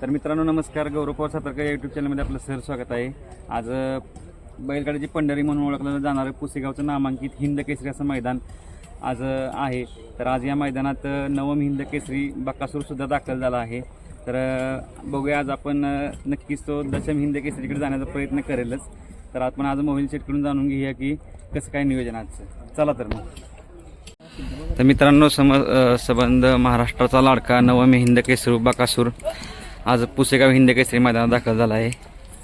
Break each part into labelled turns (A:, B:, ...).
A: तर मित्रांनो नमस्कार, गौरव पवार सातारकर या यूट्यूब चॅनलमध्ये आपलं सर स्वागत आहे। आज बैलगाडीची पंढरी म्हणून ओळखलं जाणारं पुसेगावचं नामांकित हिंद केसरी असं मैदान आज आहे। तर आज या मैदानात नवम हिंद केसरी बकासूरसुद्धा दाखल झाला आहे। तर बघूया आज आपण नक्कीच तो दशम हिंद केसरीकडे जाण्याचा प्रयत्न करेलच। तर आपण आज मोबाईल सेटकडून जाणून घेऊया की कसं काय नियोजन आजचं। चला तर मग। तर मित्रांनो संबंध महाराष्ट्राचा लाडका नवम हिंद केसरी बकासूर आज पुसेगाव हिंद केसरी मैदानात दाखल झाला आहे।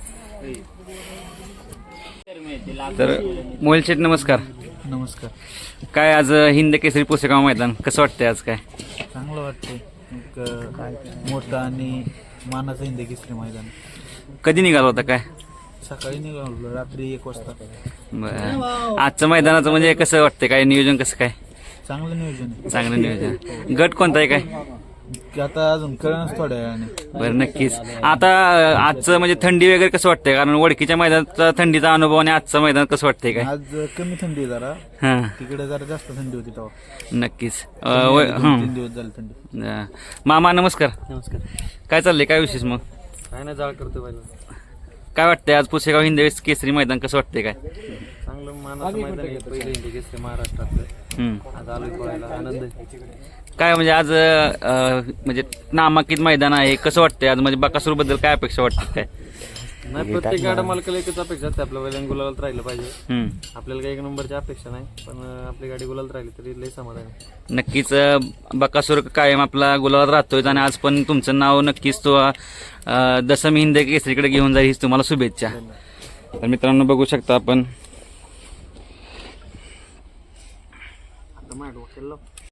A: तर मोबाईल सेट नमस्कार।
B: नमस्कार।
A: काय आज हिंद केसरी पुसेगाव मैदान कसं वाटतंय? आज काय
B: चांगलं वाटतंय, एक मोठं आणि मानाचं हिंद केसरी मैदान।
A: कधी निघाला होता? काय
B: सकाळी निघालो, रात्री 1 वाजता।
A: बरं, आजचं मैदानाचं म्हणजे कसं वाटतंय? काय नियोजन कसं काय?
B: चांगलं नियोजन आहे।
A: चांगलं नियोजन। गट कोणता आहे काय?
B: की आता अजून कळणच थोड्या वेळाने।
A: बरं, नक्कीच। आता आजचं म्हणजे थंडी वगैरे कसं वाटतंय? कारण वडकीच्या मैदानाचा थंडीचा अनुभव आणि आजचं मैदान कसं वाटतंय काय?
B: आज कमी थंडी आहे जरा,
A: हां
B: तिकडे जरा जास्त थंडी होती तेव्हा।
A: नक्कीच।
B: 3 दिवस झाले थंडी।
A: मामा नमस्कार।
B: नमस्कार।
A: काय चाललंय? काय विशेष मग?
B: काय नाही, जाळ करतो पहिला।
A: काय वाटतंय आज पुसेगाव हिंद केसरी मैदान कसं वाटतंय? काय
B: चांगलं मानाचं मैदान आहे, पहिलं हिंद केसरी महाराष्ट्रातलं। आज आलोय पळायला, आनंद आहे।
A: काय म्हणजे आज म्हणजे नामांकित मैदान आहे, कसं वाटतंय आज? म्हणजे बकासूर बद्दल काय अपेक्षा वाटते? काय
B: नाही, प्रत्येक गाडा मालकाला एकच अपेक्षा असते, आपल्या बैलांना गुलालात राहिलं पाहिजे। आपल्याला काही 1 नंबरची अपेक्षा नाही, पण आपली गाडी गुलालात राहिली तरी लई समाधान आहे।
A: नक्कीच बकासूर कायम आपला गुलाबात राहतोय आणि आज पण तुमचं नाव नक्कीच तो दशम हिंद केसरीकडे घेऊन जाईल, हीच तुम्हाला शुभेच्छा। तर मित्रांनो बघू शकता आपण
B: आता माझ्या डोक्याला